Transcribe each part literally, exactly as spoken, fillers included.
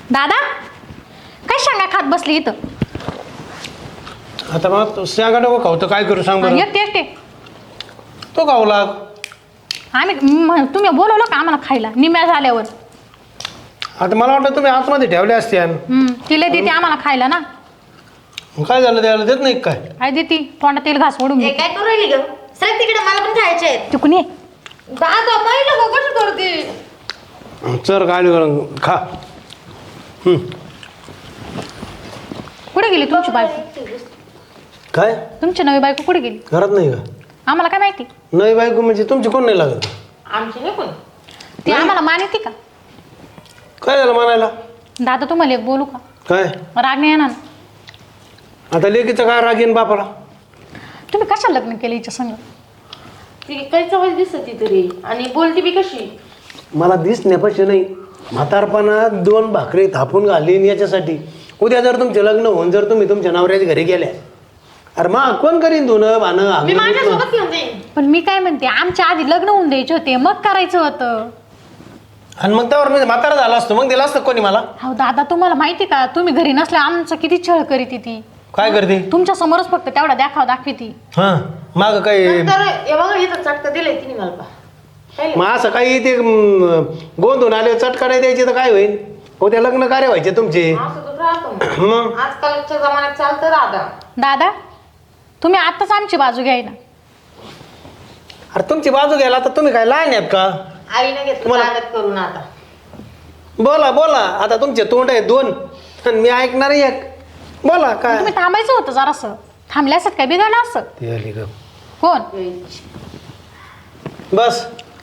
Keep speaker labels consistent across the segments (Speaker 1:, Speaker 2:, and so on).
Speaker 1: दादा काय शेंगा खात बसली इथं?
Speaker 2: आता मग शेंगा नको खाऊ तर काय करू सांग बरं.
Speaker 1: एकटे एकटे
Speaker 2: तो खाऊ लाग.
Speaker 1: आम्ही म- तुम्ही बोलवलं का आम्हाला खायला निम्या झाल्यावर?
Speaker 2: आता मला वाटलं तुम्ही आतमध्ये ठेवले असते
Speaker 1: हम्म, तिला देते आम्हाला खायला ना.
Speaker 2: काय झालं द्यायला देत नाही काय?
Speaker 1: काय देते तोंडात तेल घास ओढून
Speaker 3: हे
Speaker 1: घे.
Speaker 3: काय करू राहिली ग? सर तिकडे मला पण खायचे आहेत.
Speaker 1: तिकून ये.
Speaker 3: दादा पाहिलं का कसं करते?
Speaker 2: चल काय खा. हम्म.
Speaker 1: कुठे गेली तुमची बायको?
Speaker 2: काय
Speaker 1: तुमची नवी बायको कुठे गेली?
Speaker 2: घरात नाही का?
Speaker 1: आम्हाला काय माहिती?
Speaker 2: नवी बायको म्हणजे तुमची कोण नाही लागत?
Speaker 3: आमची नाही कोण.
Speaker 1: ती आम्हाला मानते का?
Speaker 2: काय झालं म्हणायला?
Speaker 1: दादा तुम्हाला एक बोलू का?
Speaker 2: काय
Speaker 1: राग नाही येणार ना?
Speaker 2: आता लेकीचं काय राग येईन बापाला?
Speaker 1: तुम्ही कशा लग्न केलं हिच्या संग?
Speaker 3: ती काही चवच दिसत तरी आणि बोलती बी कशी.
Speaker 2: मला दिसण्यापाशी नाही, म्हातारपणात दोन भाकरी थापून घालीन याच्यासाठी. उद्या जर तुमचे लग्न होऊन जर तुम्ही तुमच्या नवऱ्याच्या घरी गेल्या, अरे मग कोण करीन धुणं भाणं
Speaker 3: मी
Speaker 2: आंघोळ
Speaker 3: माझ्यासोबत
Speaker 2: धुणं?
Speaker 3: घेऊन जाईन.
Speaker 1: पण मी काय म्हणते, आमच्या आधी लग्न होऊन द्यायचे होते, मग करायचं होतं.
Speaker 2: आणि मग त्यावर मी म्हातारा झाला असतो मग दिला असतं कोणी मला?
Speaker 1: हो दादा तुम्हाला माहिती का, तुम्ही घरी नसल्या आमचं किती छळ करीत ती.
Speaker 2: काय करते?
Speaker 1: तुमच्या समोरच फक्त तेवढा देखाव दाखवती.
Speaker 2: हा माग काय
Speaker 3: नंतर हे बघा इथं चटका दिलंय तिने मला पा. पाहिलं?
Speaker 2: मग असं काही ते म, गोंधून आले चटका नाही द्यायची तर काय होईल? उद्या लग्न कार्य व्हायचे तुमचे.
Speaker 3: असं तर राहतो मग.
Speaker 2: मग
Speaker 3: आजकालच्या जमान्यात चालतं राहता.
Speaker 1: दादा तुम्ही आत्ताच आमची बाजू घ्याय ना.
Speaker 2: अरे तुमची बाजू घ्यायला तर तुम्ही काय लहान आहेत का?
Speaker 3: आईने घेतलं
Speaker 2: तुम्हाला-
Speaker 3: ताकद करून आता.
Speaker 2: बोला बोला, आता तुमचे तोंड आहे दोन आणि मी ऐकणार एक. बोला काय
Speaker 1: तुम्ही थांबायचं होतं जरासं. थांबले असत काय बिघडलं असत?
Speaker 2: ते आली ग.
Speaker 1: कोण?
Speaker 2: बस.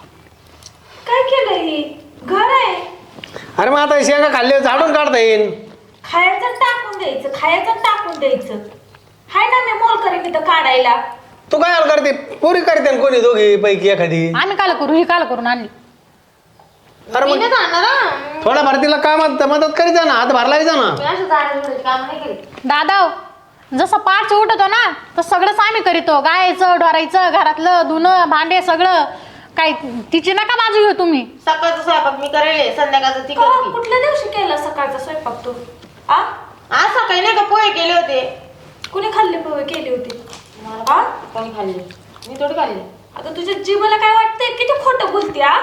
Speaker 4: काय केलं ही? घर आहे,
Speaker 2: अरे मग आता शेंगा खाल्ले झाडून काढता येईल.
Speaker 4: खायचं टाकून द्यायचं, खायचं टाकून द्यायचं. हाय ना मी मोल करेन इथं काढायला.
Speaker 2: तू काय हाल करते? पुरी करते ना कोणी दोघी पैकी एखादी.
Speaker 1: आम्ही काल करू, ही काल करून आणली.
Speaker 2: अरे
Speaker 3: मी
Speaker 2: मग
Speaker 3: नाही जाणार हा.
Speaker 2: थोडा भरतीला कामात मदत करीत जा ना, हात भरला जा ना.
Speaker 3: मी अशा झाडाझुडाची कामं नाही केली.
Speaker 1: दादा जसं पाच उठतो ना तर सगळंच आम्ही करीतो. गायचं डोरायचं, घरातलं धुणं भांडे सगळं. काय तिची नका बाजू घेऊ तुम्ही.
Speaker 3: सकाळचं स्वयंपाक मी करेल, संध्याकाळचं ती
Speaker 4: का?
Speaker 3: करते.
Speaker 4: कुठल्या दिवशी केला सकाळचा स्वयंपाक तू? आ
Speaker 3: आज सकाळी नाही का पोहे केले होते.
Speaker 4: कुणी खाल्ले पोहे केली होती? आ
Speaker 3: कोणी खाल्ले? मी थोडी खाल्ले.
Speaker 4: आता तुझ्या जीवाला काय वाटतंय? किती खोटं बोलती आ?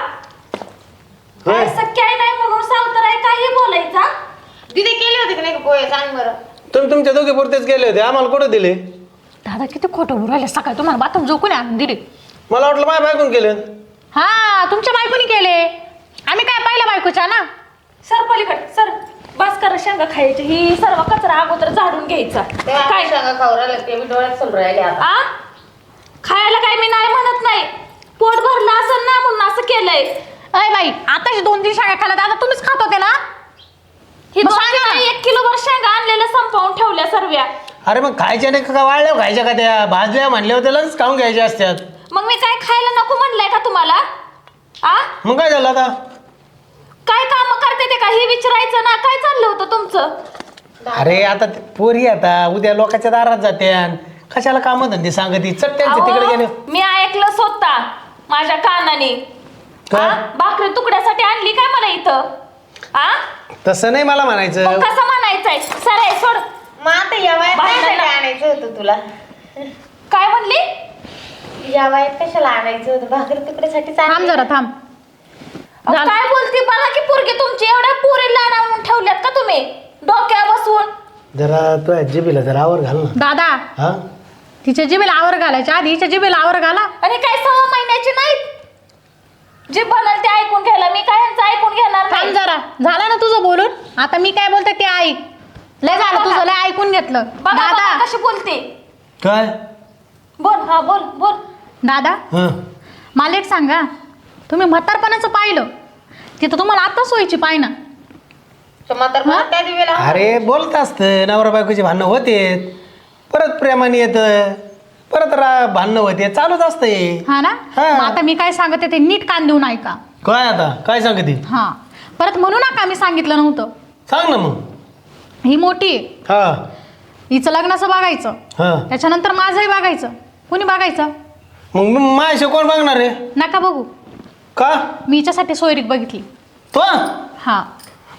Speaker 4: काय
Speaker 2: होय.
Speaker 4: सख्या आहे नाही म्हणून सावतर आहे काही बोलायचा?
Speaker 3: तिथे केले होते की नाही का पोहे? सांग बरं.
Speaker 2: तुम्ही तुमच्या दोघी पुरतेच गेले होते, आम्हाला कुठे दिले?
Speaker 1: दादा किती खोटं बोलू राहिले. सकाळी तुम्हाला बाथरूम झोकून आणून दिली.
Speaker 2: मला वाटलं माझ्या बायकून केलं.
Speaker 1: हा तुमच्या बायकोनी केले. आम्ही काय पहिल्या बायकोच्या ना.
Speaker 4: सर पलीकडे सर. बस करा शेंगा खायची. ही सर्व कचरा अगोदर झाडून घ्यायचा.
Speaker 3: तेव्हा
Speaker 4: काय
Speaker 3: शेंगा खाऊ राहिले ते मी डोळ्यात समोर राहिले आता.
Speaker 4: आ खायला काय मी नाही म्हणत नाही. पोट भरलं असं ना म्हणून असं केलंय.
Speaker 1: अय बाई आताच दोन तीन शाळा खाल्ल्या. दादा तुम्हीच खात होते ना.
Speaker 4: ही
Speaker 1: मग
Speaker 4: दोन
Speaker 1: सांगा ना.
Speaker 4: किलो- एक किलो भर शेंगा आणलेल्या संपवून ठेवल्या सर्व्या.
Speaker 2: अरे मग खायच्या नाही का वाळल्या खायच्या का त्या? भाजल्या म्हणल्या होत्या लगेच खाऊन घ्यायच्या असत्यात.
Speaker 4: मग मी काय खायला नको म्हणलंय का तुम्हाला? आ
Speaker 2: मग काय झालं आता?
Speaker 4: काय काम करते ते का हे विचारायचं ना. काय चाललं होतं तुमचं?
Speaker 2: अरे आता ते पोरी आता उद्या लोकांच्या दारात जात्या, कशाला काम धंदे सांगती चट त्यांचे तिकडे गेले.
Speaker 4: अहो, मी ऐकलं स्वतः माझ्या कानाने.
Speaker 2: काय?
Speaker 4: आ? भाकरी तुकड्यासाठी आणली काय मला इथं? आ
Speaker 2: तसं नाही मला म्हणायचं.
Speaker 4: मग कसं म्हणायचंय? सर सोड.
Speaker 3: मग आता या वयात
Speaker 4: भांडणाला-
Speaker 3: कशाला आणायचं होतं तुला?
Speaker 4: काय म्हणली?
Speaker 3: या वयात कशाला आणायचं होतं? भाकरी तुकड्यासाठी
Speaker 1: थांब जरा थांब.
Speaker 4: अहो,
Speaker 1: झालं.
Speaker 4: काय बोलती बघा की पोरगी तुमची. एवढ्या पोरीला आणून ठेवल्यात का तुम्ही डोक्या बसवून?
Speaker 2: जरा तो जिबीला जरा आवर घाल ना.
Speaker 1: दादा
Speaker 2: हा
Speaker 1: तिच्या जिबेला आवर घालायच्या आधी हिच्या जिबेला आवर घाला.
Speaker 4: आणि काय सहा महिन्याची नाहीत जे बनल ते ऐकून घ्यायला. मी काय यांचं ऐकून घेणार
Speaker 1: थांब
Speaker 4: नाही.
Speaker 1: जरा. झालं ना तुझं बोलून. आता मी काय बोलते ते ऐक. लय झालं तुझं, लय ऐकून घेतलं.
Speaker 4: बघा बघा
Speaker 1: दादा
Speaker 4: कशी बोलते.
Speaker 2: काय?
Speaker 4: बोल हा बोल बोल.
Speaker 1: दादा
Speaker 2: हा
Speaker 1: मला एक सांगा, तुम्ही म्हातारपणाचं पाहिलं तिथं तुम्हाला आता सोयीची पाय ना.
Speaker 3: म्हातारपणात त्या दिवेला
Speaker 2: अरे बोलत असतं नवरा बायकोची भांडणं होते, परत प्रेमाने येतं, परत रा भांडणं होते, चालूच असतं हे.
Speaker 1: हा ना.
Speaker 2: हा.
Speaker 1: मग आता मी काय सांगते ते नीट कान देऊन ऐका.
Speaker 2: काय आता काय सांगते?
Speaker 1: हा परत म्हणू नका मी सांगितलं नव्हतं.
Speaker 2: सांग ना मग.
Speaker 1: ही मोठी आहे,
Speaker 2: हा
Speaker 1: हिचं लग्नाचं बघायचं,
Speaker 2: हा
Speaker 1: त्याच्यानंतर माझंही बघायचं. कोणी बघायचं?
Speaker 2: मग माझ्या कोण बघणार आहे?
Speaker 1: नका बघू.
Speaker 2: का?
Speaker 1: मी हिच्यासाठी सोयरीक बघितली.
Speaker 2: तो
Speaker 1: हा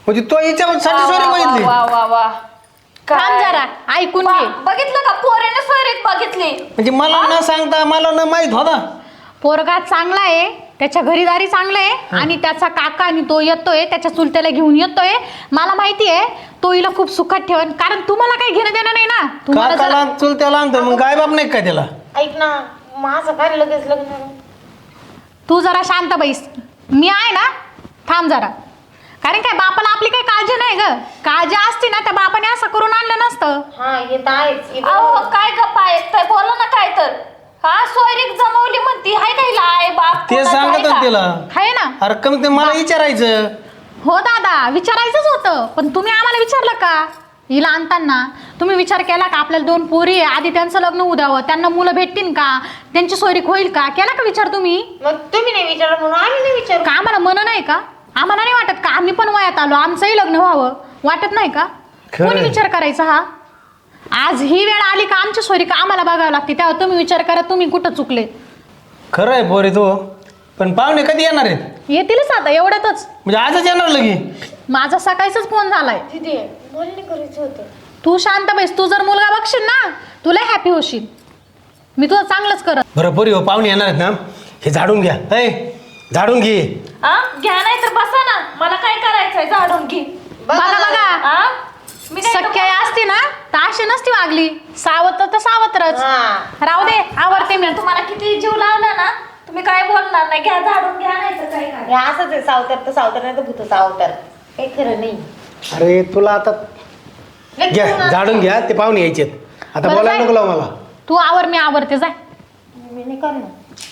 Speaker 2: म्हणजे तो हिच्यासाठी सॉरी मागितली.
Speaker 4: वा वा वा
Speaker 1: थांब
Speaker 4: काय?
Speaker 1: जरा ऐकून
Speaker 4: वा,
Speaker 1: घे.
Speaker 4: बघितलं का पोरेने सोयरीक बघितली.
Speaker 2: म्हणजे मला न सांगता मला न माहित होता.
Speaker 1: पोरगा चांगला आहे, त्याच्या घरीदारी चांगलं आहे आणि त्याचा काका आणि तो येतोय, त्याच्या चुलत्याला घेऊन येतोय. मला माहिती आहे तो हिला खूप सुखात ठेवन, कारण तुम्हाला काही घेणं देणं नाही ना. तुम्हाला जर-
Speaker 2: काकाला चुलत्याला आणतो मग काय बाप नाही काय त्याला.
Speaker 3: ऐक ना माझं काय लगेच लग्न.
Speaker 1: तू जरा शांत बैस. मी आहे ना, थांब जरा. कारण काय बापाला आपली काही काळजी नाही ग. काळजी असती ना त्या बापाने असं करून आणलं नसतं.
Speaker 3: हा हे तर आहेच. हे
Speaker 4: अहो
Speaker 3: बरोबर.
Speaker 4: काय गप्पा ऐकताय, बोला ना काय तर. हा सोयरीक जमवली म्हणती, हाय का हिला आई बाप
Speaker 2: ते
Speaker 4: कोणाचं आहे
Speaker 2: सांगत
Speaker 4: का?
Speaker 2: तिला.
Speaker 1: आहे ना.
Speaker 2: अरे कमी ते मला विचारायचं.
Speaker 1: हो दादा, विचारायचंच होतं, पण तुम्ही आम्हाला विचारलं का? हिला आणताना तुम्ही विचार केला का आपल्याला दोन पोरी आहे, आधी त्यांचं लग्न होऊ द्यावं, त्यांना मुलं भेटतील का, त्यांची सोयरीक होईल का? केला का विचार तुम्ही?
Speaker 3: मग तुम्ही नाही विचारलं म्हणून आम्ही नाही विचारू.
Speaker 1: का आम्हाला मन नाही का? आम्हाला नाही वाटत का आम्ही पण वयात आलो, आमचंही लग्न व्हावं वाटत नाही का?
Speaker 2: खरंय.
Speaker 1: कोणी विचार करायचा हा? आज ही वेळ आली का आमची सोयरीक आम्हाला बघावं लागते, तेव्हा तुम्ही विचार करा तुम्ही कुठं चुकले.
Speaker 2: खरं आहे पोरे तो. पण पाहुणे कधी येणार आहेत?
Speaker 1: येतीलच आता एवढ्यातच.
Speaker 2: म्हणजे आजच येणार लगी?
Speaker 1: माझा सकाळीच फोन झालाय.
Speaker 3: तिथे मला नाही करायचं होतं.
Speaker 1: तू शांत बैस. तू जर मुलगा बघशील ना तुला हॅपी होशील. मी तुझं चांगलंच करत.
Speaker 2: बरं पोरी हो, पाहुणे येणार आहेत ना, हे झाडून घ्या. ऐ झाडून घे.
Speaker 4: हा घ्या नाही तर बसा ना, मला काय करायचंय झाडून घे.
Speaker 1: बघा बघा,
Speaker 4: हा मी काय
Speaker 1: सख्य असती ना तर अशी नसती वागली. सावत्र तर सावत्रच.
Speaker 3: हा.
Speaker 1: राहू दे, आवडते मी.
Speaker 4: तुम्हाला किती जीव लावला ना, तुम्ही काय बोलणार नाही. घ्या झाडून घ्या नाही तर काय करा.
Speaker 3: हे असंच आहे, सावतर तर सावतर नाही तर भूत सावतर. काही खरं नाही.
Speaker 2: अरे तुला आता
Speaker 3: लय
Speaker 2: घ्या
Speaker 3: पूर्ण-
Speaker 2: झाडून घ्या. ते पाहुणे यायचेत आता.
Speaker 1: बरं
Speaker 2: बोलायला
Speaker 1: जाय.
Speaker 2: नको लावू मला.
Speaker 1: तू आवर, मी आवरते. जाय
Speaker 3: मी नाही करणार.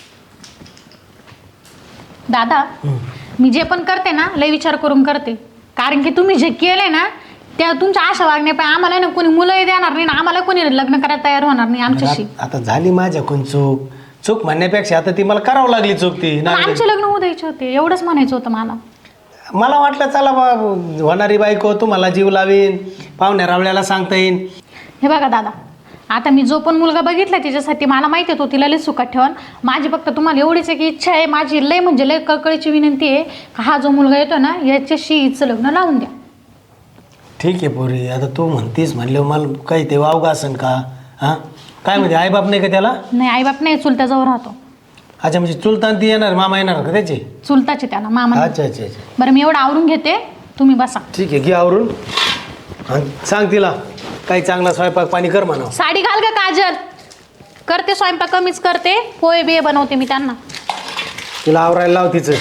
Speaker 1: दादा. मी जे पण करते ना लय विचार करून करते, कारण की तुम्ही जे केले ना त्या तुमच्या आशा वागणे पण आम्हाला ना कोणी मुलंही देणार नाही ना आम्हाला कोणी लग्न करायला तयार होणार नाही आमच्याशी.
Speaker 2: आता आता झाली माझ्याकडून चूक. चूक म्हणण्यापेक्षा आता ती मला करावं लागली चूक ती.
Speaker 1: पण
Speaker 2: नाही
Speaker 1: आमचे लग्न होऊ द्यायचे होते एवढंच म्हणायचं होतं मला.
Speaker 2: मला वाटलं चला बा होणारी बायको तुम्हाला जीव लावीन, पाहुण्या रावळ्याला सांगता येईन.
Speaker 1: हे बघा दादा, आता मी जो पण मुलगा बघितला त्याच्यासाठी मला माहिती आहे तो तिला लय सुखात ठेवण. माझी फक्त तुम्हाला एवढीच आहे की इच्छा आहे माझी, लय म्हणजे लय कळकळीची विनंती आहे का हा जो मुलगा येतो ना याच्याशी हिचं लग्न लावून द्या.
Speaker 2: ठीक आहे पोरी, आता तू म्हणतीस म्हणल्यावर मला काही ते वावगा असन का? हां काय म्हणजे आईबाप नाही का त्याला?
Speaker 1: नाही आईबाप नाही, चुलत्याजवळ राहतो.
Speaker 2: अच्छा म्हणजे चुलतान ती येणार, मामा येणार का त्याचे?
Speaker 1: चुलताचे त्याला मामा.
Speaker 2: अच्छा अच्छा अच्छा
Speaker 1: बरं मी एवढं आवरून घेते, तुम्ही बसा.
Speaker 2: ठीक आहे, घे आवरून. आणि सांग तिला काही चांगला स्वयंपाक पाणी कर म्हणा.
Speaker 1: साडी घाल का काजल. करते स्वयंपाक कमीच करते, पोहे बिये बनवते मी त्यांना.
Speaker 2: तिला आवरायला लाव तिचं.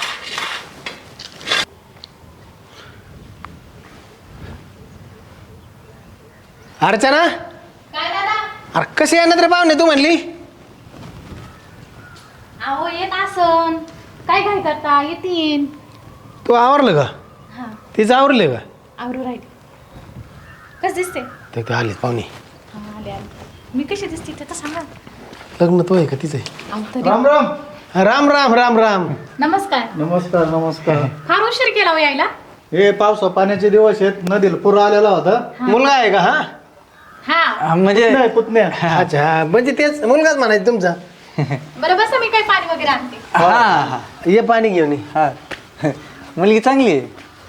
Speaker 2: अर्चना,
Speaker 1: काय दादा?
Speaker 2: अरे कसे येणार रे पाहुणे तू म्हणली?
Speaker 1: अहो येत असन, काय काय करता येतील.
Speaker 2: तू आवरलं का?
Speaker 1: हा
Speaker 2: तिचं आवरले का?
Speaker 1: आवरू राहील. कस दिसते?
Speaker 2: ते ते आले पाहुणे.
Speaker 1: हा आले आले. मी कशी दिसते ते तर सांगा.
Speaker 2: लग्न तो आहे का तिचं आहे?
Speaker 1: अहो, तरी-
Speaker 5: राम राम.
Speaker 2: राम राम राम राम.
Speaker 1: नमस्कार.
Speaker 5: नमस्कार नमस्कार.
Speaker 1: फार उशीर केला हो यायला.
Speaker 5: हे पावसा पाण्याचे दिवस आहेत, नदीला पूर आलेला होता.
Speaker 2: मुलगा आहे का? हा
Speaker 1: हा
Speaker 2: म्हणजे
Speaker 5: नाही पुतण्या.
Speaker 2: अच्छा हा, म्हणजे तेच मुलगाच म्हणायचं तुमचा.
Speaker 1: बरं बसा, मी काही पाणी वगैरे आणते.
Speaker 6: हा
Speaker 2: ये पाणी घेऊन ये.
Speaker 6: हा मुलगी चांगली आहे.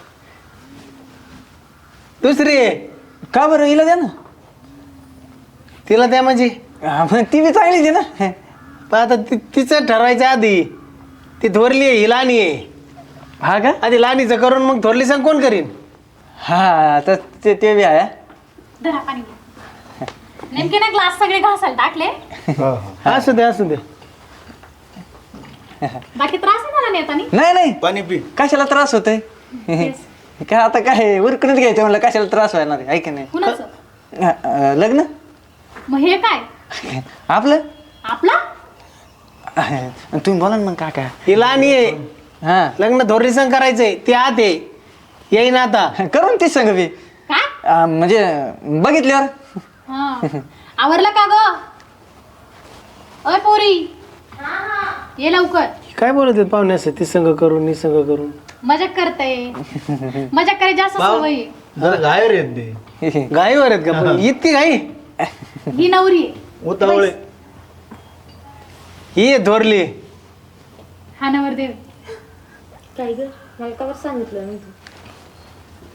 Speaker 2: दुसरी आहे
Speaker 6: का बरं हिला द्या ना.
Speaker 2: तिला त्या म्हणजे
Speaker 6: हा, मग ती बी चांगलीच आहे ना.
Speaker 2: पण आता ति- तिचं ठरवायचं आधी. ती थोरली आहे ही लहानी आहे.
Speaker 6: हा का.
Speaker 2: आधी लहानीचं करून मग थोरली सांग कोण करीन.
Speaker 6: हा तर ते ते बी आहे.
Speaker 1: धरा पाणी. नेमके ना ग्लास सगळे घासायला टाकले.
Speaker 5: हो, हो.
Speaker 2: असू दे असू दे.
Speaker 1: बाकी त्रास नाही झाला नेतानी.
Speaker 6: नाही नाही
Speaker 5: पाणी पी.
Speaker 6: कशाला त्रास होतोय. काय आता काय उरकूनच घ्यायचं म्हणलं, कशाला त्रास व्हायला आहे की नाही.
Speaker 1: कुणाचं?
Speaker 6: अ, अ, लग्न
Speaker 1: मग हे काय
Speaker 6: आपलं.
Speaker 1: आपला?
Speaker 6: तुम्ही बोला ना मग काका.
Speaker 2: ही लहानी आहे.
Speaker 6: हा
Speaker 2: लग्न थोरली संग करायचंय. ती आत आहे, येईन आता.
Speaker 6: करून तीच सांग बी.
Speaker 1: काय?
Speaker 6: अ, म्हणजे बघितल्यावर.
Speaker 1: हा आवरलं का ग? अय पोरी ये लवकर.
Speaker 2: काय बोलत आहेत पाहुणे असं ती संग करून नी संग करून.
Speaker 1: मजाक करते. मजाक करायची जास्त सवय आहे.
Speaker 5: जरा गायर आहेत ते.
Speaker 2: गाईवर आहेत का पण? इतकी गाई?
Speaker 1: ही नवरी आहे.
Speaker 5: उतावळे.
Speaker 2: ही आहे थोरली.
Speaker 1: हा नवरदेव.
Speaker 3: काय ग मला का बरं सांगितलं नाही तू?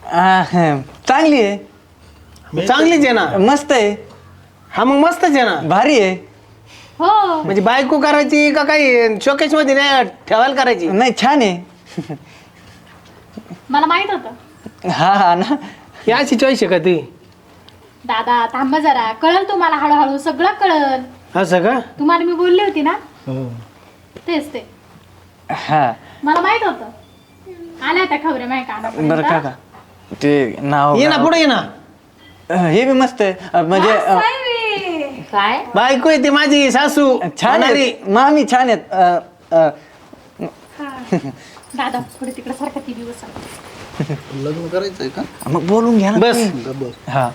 Speaker 6: आ, हं, चांगली आहे,
Speaker 2: चांगलीच आहे ना.
Speaker 6: मस्त आहे,
Speaker 2: हा मग मस्तच आहे ना.
Speaker 6: भारी आहे.
Speaker 1: हो
Speaker 2: म्हणजे बायको करायची का काही शोकेश मध्ये नाही ठेवायला करायची?
Speaker 6: नाही छान आहे.
Speaker 1: मला माहित होतं.
Speaker 6: हा हा ना.
Speaker 2: ही अशी चॉईस आहे का ती?
Speaker 1: दादा थांबा जरा, कळल तुम्हाला हळूहळू सगळं कळल.
Speaker 2: असं का?
Speaker 1: तुम्हाला मी बोलली होती ना,
Speaker 5: हो.
Speaker 1: तेच ते
Speaker 6: हा
Speaker 1: मला माहित होतं. आल्या होत्या खबरे माझ्या
Speaker 6: बरं
Speaker 1: कानापर्यंत.
Speaker 6: काका ते नाव
Speaker 2: ये ना पुढे ये ना.
Speaker 6: अं, हे बी मस्त आहे. अं, म्हणजे अं,
Speaker 3: काय
Speaker 2: बायको आहे ती माझी सासू.
Speaker 6: छान
Speaker 2: होणारी.
Speaker 6: आहे, मामी छान आहेत. अं, अं,
Speaker 1: दादा पुढे तिकडे सारखा ती दिवस
Speaker 5: लग्न करायचंय का?
Speaker 6: मग बोलून घ्या ना.
Speaker 2: बस.
Speaker 5: बस.
Speaker 6: हा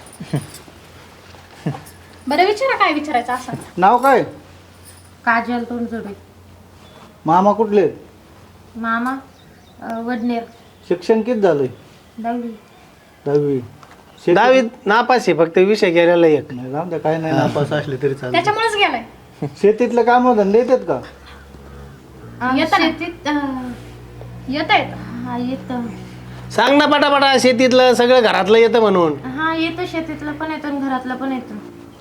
Speaker 1: बरं विचारा काय विचारायचं असं.
Speaker 5: नाव काय?
Speaker 3: काजल तोंडजोडे.
Speaker 5: मामा कुठले?
Speaker 3: मामा अं, वडनेर.
Speaker 5: शिक्षण किती झालंय?
Speaker 3: दहावी.
Speaker 5: दहावी. शेती-
Speaker 2: दहावीत नापास आहे फक्त विषय गेलेला एक.
Speaker 5: नाही जाऊ द्या, काय नाही, नापास असले तरी चालेल.
Speaker 1: त्याच्यामुळेच गेलाय.
Speaker 5: शेतीतलं काम धंदे येतात का?
Speaker 3: अं,
Speaker 1: येतं ना.
Speaker 3: शेतीत अं,
Speaker 1: येत येत
Speaker 3: हा येतं.
Speaker 2: सांग ना पटापटा, शेतीतलं सगळं घरातलं येतं म्हणून.
Speaker 3: हा येतं, शेतीतलं पण येतं आणि घरातलं पण येतं.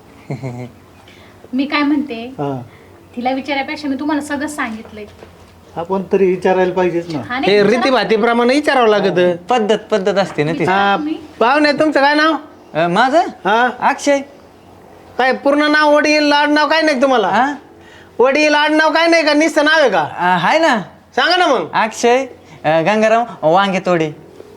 Speaker 1: मी काय म्हणते,
Speaker 5: हा.
Speaker 1: तिला विचारायपेक्षा मी तुम्हाला सगळं सांगितलंय.
Speaker 5: आपण तरी विचारायला पाहिजेच ना.
Speaker 1: हा नाही
Speaker 2: हे
Speaker 1: विचारा.
Speaker 2: रीतीभातीप्रमाणे विचारावं लागत.
Speaker 6: पद्धत पद्धत असते ना ती.
Speaker 2: हा पाहुणे तुमचं काय नाव?
Speaker 6: अं, माझं
Speaker 2: हा
Speaker 6: अक्षय.
Speaker 2: काय पूर्ण नाव, वडील आडनाव काय नाही तुम्हाला?
Speaker 6: हा
Speaker 2: वडील आडनाव काय नाही का? नुसतं नाव आहे का?
Speaker 6: अं, आहे ना,
Speaker 2: सांगा ना मग.
Speaker 6: अक्षय अं, गंगाराम वांगे तोडे.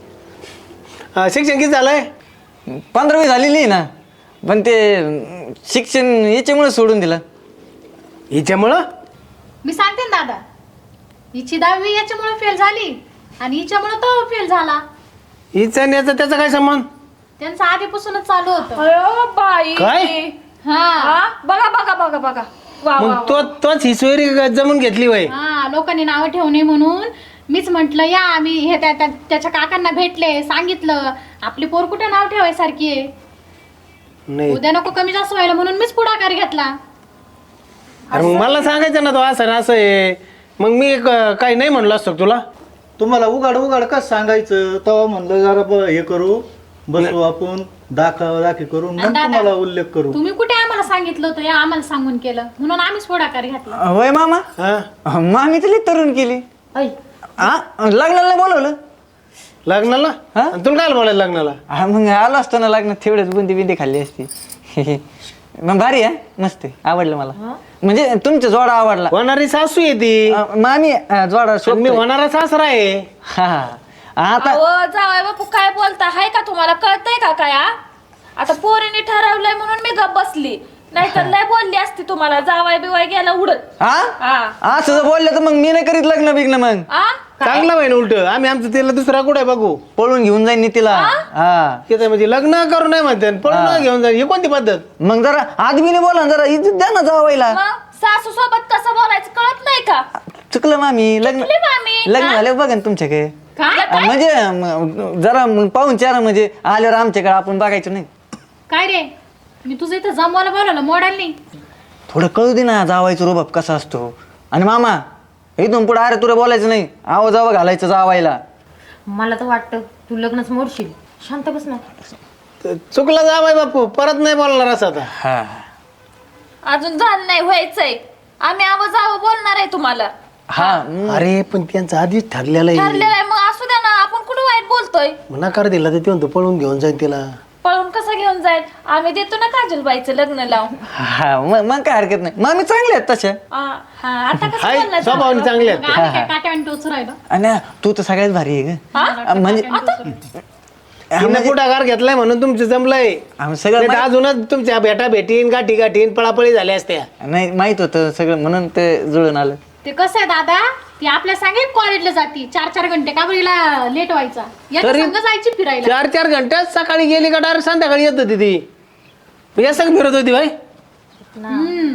Speaker 2: हा, शिक्षण किती झालंय?
Speaker 6: पंधरावी झालेली आहे ना, पण ते अं, शिक्षण याच्यामुळे सोडून दिलं.
Speaker 2: हिच्यामुळं?
Speaker 1: मी सांगते ना दादा, हिची दहावी याच्यामुळे फेल झाली आणि हिच्यामुळे तो फेल झाला.
Speaker 2: हिचा आणि याचा त्याचा काय संबंध?
Speaker 1: त्यांचं आधीपासूनच चालू होतं.
Speaker 4: अयो बाई
Speaker 2: काय?
Speaker 1: हा
Speaker 4: हा बघा बघा बघा बघा वा वा
Speaker 2: मग तो तोच ही सोयरी जमून घेतली वय.
Speaker 1: हा लोकांनी नावं ठेवू नये म्हणून मीच म्हंटल या आम्ही हे त्या- त्या- त्याच्या काकांना भेटले, सांगितलं आपली पोर कुठे नाव ठेवायसारखी आहे,
Speaker 2: नाही
Speaker 1: उद्या नको कमी जास्त व्हायला म्हणून मीच पुढाकार घेतला.
Speaker 2: अरे मग मला सांगायचं ना तो असं ना असं आहे, मग मी क- काही नाही म्हणलो असतो का तुला?
Speaker 5: तुम्हाला उघाड उघाड कसं सांगायचं? तेव्हा म्हणलं जरा ब- हे करू, बसू आपण, दाखा दाखी करून मग
Speaker 1: दादा,
Speaker 5: तुम्हाला उल्लेख करू.
Speaker 1: तुम्ही कुठे आम्हाला सांगितलं होतं, या आम्हाला सांगून केलं म्हणून आम्हीच पुढाकार घेतला.
Speaker 6: होय मामा,
Speaker 2: हा
Speaker 6: अं, मामी तरी तरुण केली.
Speaker 3: ऐ
Speaker 6: हा लग्नाला नाही बोलवलं.
Speaker 2: लग्नाला?
Speaker 6: हा?
Speaker 2: आणि तुला काय बोलायला लग्नाला?
Speaker 6: हा मग आलो असतो ना लग्नात, तेवढेच बुंदी बिंदी खाल्ली असती. मग भारी आहे, मस्त आहे, आवडलं मला. म्हणजे तुमचा जोडा आवडला.
Speaker 2: होणारी सासू आहे ती.
Speaker 6: अं, मामी अं, जोडा
Speaker 2: आणि मी
Speaker 6: शोधतोय.
Speaker 2: होणारा सासरा आहे.
Speaker 6: हा आता
Speaker 4: अहो जावई बापू काय बोलता, हाय का तुम्हाला कळतंय का काय हा? आता पोरीने ठरवलंय म्हणून मी गप बसली, नाहीतर लय बोलली असती तुम्हाला. जावाय बिवाय गेला उडत.
Speaker 6: हा
Speaker 4: हा
Speaker 6: असं जर बोललं तर मग मी नाही करीत लग्न बिग्न. मग
Speaker 4: आ?
Speaker 2: चांगलं आहे ना उलट. आम्ही आमचं तिला दुसरा कुठे बघू?
Speaker 6: पळून घेऊन जाईन मी तिला. हा
Speaker 2: तिथं म्हणजे लग्न करू नाही म्हणते, पळून घेऊन जाईल. ही कोणती पद्धत?
Speaker 6: मग जरा आदमीने बोला ना, जरा इज्जत द्या ना जावायला.
Speaker 4: मग सासू सोबत कसं बोलायचं कळत नाही का?
Speaker 6: चुकलं मामी. लग्न
Speaker 4: चुकली मामी.
Speaker 6: लग्न
Speaker 4: हा?
Speaker 6: झालं बघा ना तुमच्याकडे.
Speaker 1: काय
Speaker 6: अं, म्हणजे म, जरा मग पाहून चार म्हणजे आल्यावर आमच्याकडे आपण बघायचं नाही.
Speaker 1: काय रे, मी तुझं इथं जमवायला बोलवलं मोडायला नाही.
Speaker 6: थोडं कळू दे ना जावायचं रुबाब कसा असतो. आणि मामा इथून पुढे अरे तुला बोलायचं नाही, आव जावं घालायचं जावायला.
Speaker 3: मला तर वाटतं तू लग्नच मोडशील. शांत बस ना.
Speaker 2: तर चुकला जा बाई बापू, परत नाही बोलणार असं आता.
Speaker 6: हा
Speaker 4: अजून झालं नाही, व्हायचंय. आम्ही आव जावं बोलणार आहे तुम्हाला.
Speaker 6: हा
Speaker 2: अरे पण त्यांचं आधीच ठरलेलं आहे.
Speaker 4: ठरलेलं आहे, मग असू द्या ना. आपण कुठं वाईट बोलतोय?
Speaker 2: नकार दिला तर ते म्हणतो पळून घेऊन जाईल तिला.
Speaker 4: पळून कसं घेऊन जाईल? आम्ही देतो ना काजलबाईचं लग्न लावून.
Speaker 6: हा मग मग काय हरकत नाही. मामी चांगले आहेत तशा.
Speaker 4: आ, हा आता कसं
Speaker 2: हाय
Speaker 4: बोलणार?
Speaker 2: स्वभावाने चांगले आहेत.
Speaker 1: मग आम्ही काय काट्यावानी टोचू राहिलो.
Speaker 6: आणि तू तर सगळ्यात भारी आहे ग. म्हणजे
Speaker 2: तिने पुढाकार घेतलाय म्हणून तुमचं जमलंय.
Speaker 6: आम्ही सगळं
Speaker 2: नाही तर
Speaker 6: माहित-
Speaker 2: अजूनच तुमच्या भेटा भेटीन गाठी गाठीन पळापळी झाल्या असत्या.
Speaker 6: नाही माहित होतं सगळं म्हणून ते जुळून आलं.
Speaker 1: ते कसं आहे दादा, ती आपल्या सांगेल कॉलेजला जाती चार चार घंटे का बरीला लेट व्हायचा, याच्या
Speaker 2: तरी-
Speaker 1: संग जायची फिरायला.
Speaker 2: चार चार घंट्यात सकाळी गेली का डायरेक्ट संध्याकाळी येत होती ती. या संग फिरत होती भाई.
Speaker 1: हम्म.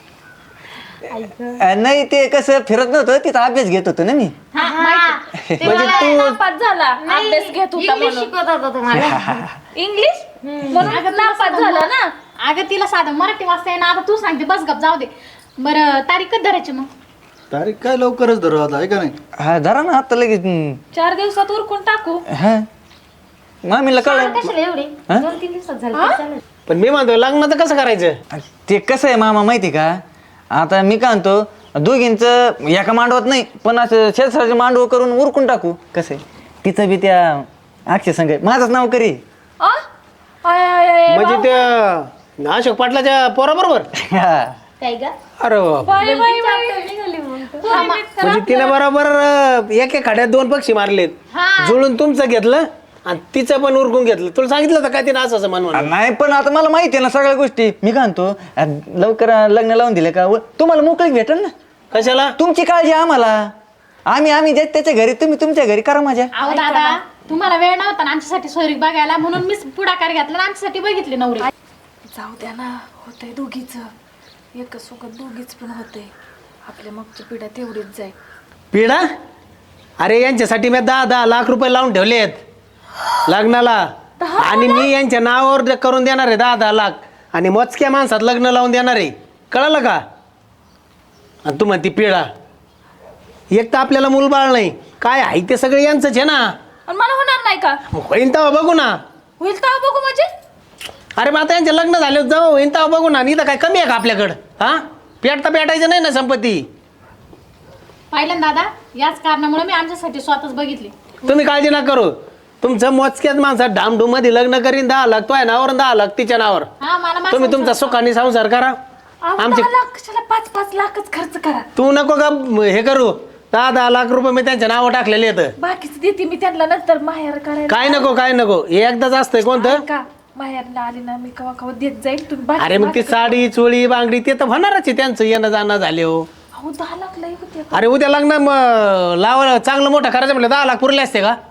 Speaker 6: अं, नाही ते कसं फिरत नव्हतं, तिचा अभ्यास घेत होतो ना मी.
Speaker 1: हा, माहिती.
Speaker 4: ते मला नापास झाला, अभ्यास घेत होता
Speaker 3: इंग्लिश
Speaker 4: म्हणून.
Speaker 3: शिकवत होता तुम्हाला.
Speaker 4: इंग्लिश म्हणून नापास झाला ना.
Speaker 1: अगं तिला साधं मराठी वाचता येईना. आता तू सांगते बस गप, जाऊ दे. बरं तारीख कधी धरायची मग?
Speaker 5: तारीख काय लवकरच धरू आता, आहे का नाही?
Speaker 6: हा धरा ना आता लगेच. हम्म.
Speaker 4: चार दिवसात उरकून टाकू.
Speaker 6: हा मामीला कळलं
Speaker 3: कशाला एवढी
Speaker 6: हा?
Speaker 3: दोन तीन दिवसात झालं तरी चालेल.
Speaker 2: पण मी म्हणतो लग्नाचं कसं करायचं?
Speaker 6: ते कसं आहे मामा माहिती का, आता मी काय म्हणतो दोघींचं एका मांडवत नाही पण असं शेजारचे मांडव करून उरकून टाकू. कसं आहे तिचं बी त्या अक्षय संघ माझंच नाव करी.
Speaker 4: आ? आय, आय, आय,
Speaker 2: म्हणजे त्या अशोक पाटलाच्या पोराबरोबर?
Speaker 6: हा.
Speaker 3: काय ग
Speaker 2: अरे बाप.
Speaker 4: Bye, bye, bye.
Speaker 3: निघाली मग तू.
Speaker 2: म्हणजे तिने बरोबर अं, एक एक खाड्यात दोन पक्षी मारलेत, जुळून तुमचं घेतलं आणि तिचं पण उरकून घेतलं. तुला सांगितलं होतं काय तिने असं असं म्हण म्हणून?
Speaker 6: नाही पण आता मला माहिती आहे ना सगळ्या गोष्टी. मी काय म्हणतो अ, लवकर लग्न लावून दिले का व- तुम्हाला मोकळीक भेटेल ना.
Speaker 2: कशाला?
Speaker 6: तुमची काळजी आम्हाला, आम्ही आम्ही जे त्याच्या घरी तुम्ही तुमच्या घरी करा माझ्या.
Speaker 1: अहो दादा तुम्हाला वेळ नव्हता ना आमच्यासाठी सोयरीक बघायला, म्हणून मी पुढाकार घेतला आणि आमच्यासाठी बघितली नवरी.
Speaker 4: जाऊ द्या ना, होतंय दोघीच एक सोबत दोघीच पण होतंय. आपल्या मागची पिढ्या तेवढीच जाईल.
Speaker 2: पिढा? अरे यांच्यासाठी मी दहा दहा लाख रुपये लावून ठेवलेत लग्नाला, आणि मी यांच्या नावावर करून देणार आहे दहा दहा लाख, आणि मोजक्या माणसात लग्न लावून देणार आहे. कळलं का? आणि तू म्हणती पिढा. एक तर आपल्याला मूलबाळ नाही, काय आहे ते सगळे यांचंच आहे ना.
Speaker 4: आणि मला होणार नाही का?
Speaker 2: मग होईन तेव्हा बघू ना.
Speaker 4: होईल तर बघू म्हणजे.
Speaker 2: अरे मग आता यांचे लग्न झाले जाऊ, होईन तेव्हा बघू ना. इथं काय कमी आहे का आपल्याकडं? हा पेट तर पेटायचं नाही ना संपत्ती.
Speaker 1: पाहिलं ना दादा, याच कारणामुळे मी आमच्यासाठी स्वतःच बघितली.
Speaker 2: तुम्ही काळजी नका करू. तुमचं मोजक्याच माणसात डामडूम मध्ये लग्न करीन दहा लाख तो आहे नावावर, दहा लाख तिच्या नावावर.
Speaker 1: हा मला माझा
Speaker 2: तुम्ही तुमचा सुखाने संसार करा.
Speaker 4: अहो,
Speaker 2: आमचे
Speaker 4: दहा लाख कशाला पाच पाच लाखच खर्च करा.
Speaker 2: तू नको का हे करू. दहा दहा लाख रुपये मी त्यांच्या नावावर टाकलेले आहेत.
Speaker 4: बाकीच देते मी त्यांना नंतर माहेर करायला.
Speaker 2: काय नको काय नको, हे एकदाच असतंय कोणतं.
Speaker 4: का माहेरला आली ना मी कवा कवा देत जाईल तुम्ही बाकी-
Speaker 2: अरे मग ती
Speaker 4: बाकी-
Speaker 2: साडी चोळी बांगडी ते तर होणारच आहे त्यांचं येणं जाणं झाले हो.
Speaker 4: अहो दहा लाख लई होते.
Speaker 2: अरे उद्या लग्न म- लावा चांगलं मोठं करायचं म्हटलं दहा लाख पुरले असते का?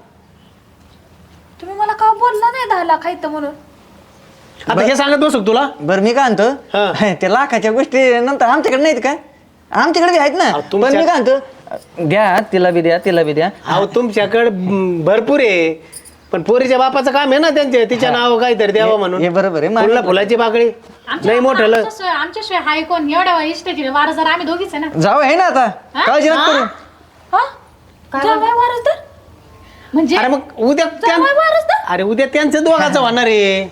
Speaker 4: तुम्ही मला का बोलला नाही दहा लाख आहेत म्हणून.
Speaker 2: आता हे सांगत बसू का तुला?
Speaker 6: बरं मी काय
Speaker 2: हा.
Speaker 6: म्हणतो त्या लाखाच्या गोष्टी नंतर आमच्याकडे नाहीत काय? आमच्याकडे बी आहेत ना.
Speaker 2: अहो,
Speaker 6: पण
Speaker 2: तुमच्या-
Speaker 6: मी काय म्हणतो द्या तिला बी द्या तिला बी द्या.
Speaker 2: अहो तुमच्याकडे म, भरपूर आहे, पण पोरीच्या बापाचं काम आहे ना त्यांचे तिच्या नाव काहीतरी द्यावं म्हणून.
Speaker 6: हे बरोबर आहे.
Speaker 2: फुला फुलाची बाकडी
Speaker 1: आमच्या
Speaker 2: नाही मोठं ल-
Speaker 1: आमच्याशिवाय आमच्याशिवाय हाय कोण एवढ्या इष्टाची वार जर आम्ही दोघीच आहे ना.
Speaker 6: जाऊ आहे ना आता,
Speaker 1: हा?
Speaker 6: काळजी नका करू.
Speaker 4: हा जावई वारसदार.
Speaker 1: म्हणजे
Speaker 2: अरे मग उद्या त्यां-
Speaker 4: जावई वारसदार.
Speaker 2: अरे उद्या त्यांचं दोघाचं होणार आहे.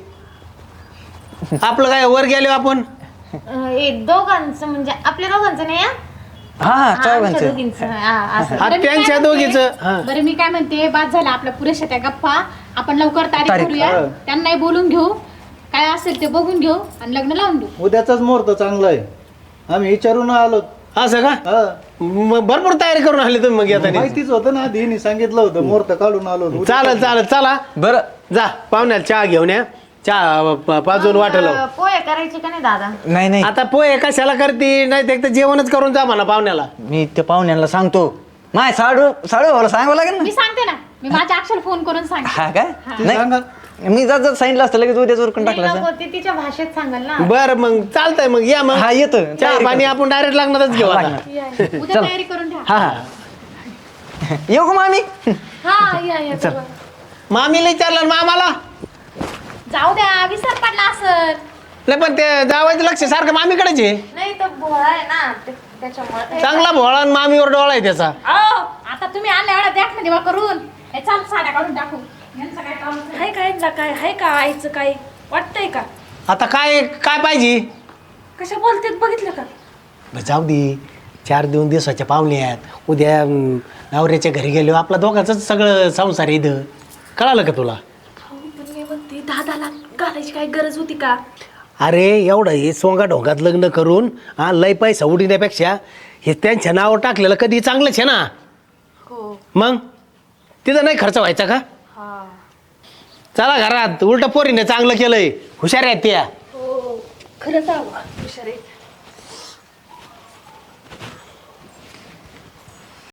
Speaker 2: आपलं काय वर गेलो आपण.
Speaker 3: अं, हे दोघांचं म्हणजे आपल्या दोघांचं नाही हा?
Speaker 6: हा हा
Speaker 3: आमच्या
Speaker 6: चौघांचं.
Speaker 3: दोघींचं हा, असं.
Speaker 2: हा,
Speaker 1: बरं, मी काय
Speaker 2: त्यांच्या
Speaker 1: म्हणते-
Speaker 2: दोघीचं हा.
Speaker 1: बरं मी काय म्हणते, बाद झाला आपल्या पुरेशा त्या गप्पा. आपण लवकर तारीख
Speaker 6: तारीख,
Speaker 1: करूया,
Speaker 5: हा.
Speaker 1: त्यांनाही बोलून घेऊ, काय असेल ते बघून घेऊ आणि लग्न लावून देऊ.
Speaker 5: उद्याचाच मुहूर्त चांगला आहे. आम्ही विचारून आलो.
Speaker 2: असं का?
Speaker 5: हा.
Speaker 2: मग भरपूर तयारी करून आले तुम्ही मग येताना.
Speaker 5: माहितीच होतं ना आधी हिने सांगितलं होतं मुहूर्त काढून आलो. उद्या
Speaker 2: चालत चालत चला
Speaker 6: बरं
Speaker 2: जा पाहुण्याला चहा घेऊन या. चहा प- पाजून वाटलं.
Speaker 3: अं, पोहे करायचे का नाही दादा?
Speaker 6: नाही नाही
Speaker 2: आता पोहे कशाला करते, नाही ते एकतर जेवणच करून जा म्हणा पाहुण्याला.
Speaker 6: मी त्या पाहुण्यांना सांगतो. माय साडू साडू भाऊला सांगावं लागेल ना.
Speaker 1: मी सांगते ना, मी माझ्या अक्षर फोन करून सांगते.
Speaker 6: हा काय
Speaker 5: ते सांगा.
Speaker 6: नाही मी जात जात सांगितलं असतं लगेच उद्याच उरकून
Speaker 3: नाही
Speaker 6: टाकलं
Speaker 3: नको,
Speaker 6: असतं.
Speaker 3: ते तिच्या भाषेत सांगाल ना.
Speaker 2: बर मग चालतंय मग या मग.
Speaker 6: हा येतो
Speaker 2: चहा
Speaker 6: तयारी
Speaker 2: पाणी
Speaker 6: करतो.
Speaker 2: आपण डायरेक्ट लग्नातच घेऊ आता.
Speaker 6: लागणार.
Speaker 1: उद्या तयारी करून ठेवा.
Speaker 6: हा हा येऊ का मामी?
Speaker 4: हा या या
Speaker 6: चल.
Speaker 2: मामीला विचारलं मामाला.
Speaker 1: जाऊ द्या, विसर पडला असर.
Speaker 2: नाही पण ते जावायचं लक्ष सारखं मामीकडेच आहे.
Speaker 3: नाही तर भोळा आहे ना ते- त्याच्यामुळे
Speaker 2: चांगला भोळा आणि मामीवर डोळा आहे त्याचा.
Speaker 1: अहो, आता तुम्ही आणल्या एवढ्या द्या ना देवा करून. हे चाल साड्या काढून टाकू. यांचं काय काम नाही.
Speaker 4: हाय काय ना काय हाय का आईचं काय वाटतंय का?
Speaker 2: आता काय काय पाहिजे?
Speaker 4: कशा बोलतेत बघितलं का?
Speaker 2: बरं, जाऊ दे. चार दोन दिवसाच्या पाहुणे आहेत. उद्या अं, नवऱ्याच्या घरी गेलो आपला दोघांच सगळं संसार आहे इथं. कळालं का तुला?
Speaker 4: हो पण मी म्हणते दहा दहा लाख घालायची काय गरज होती का?
Speaker 2: अरे एवढं हे सोंगा ढोंगात लग्न करून हा लय पैसा उडीण्यापेक्षा हे त्यांच्या नावावर टाकलेलं कधी चांगलंच आहे ना.
Speaker 4: हो
Speaker 2: मग तिथं नाही खर्च व्हायचा का?
Speaker 4: हा
Speaker 2: चला घरात. उलट पोरीने चांगलं केलंय. हुशार आहेत त्या.
Speaker 4: हो खरंच हवं हुशार आहे.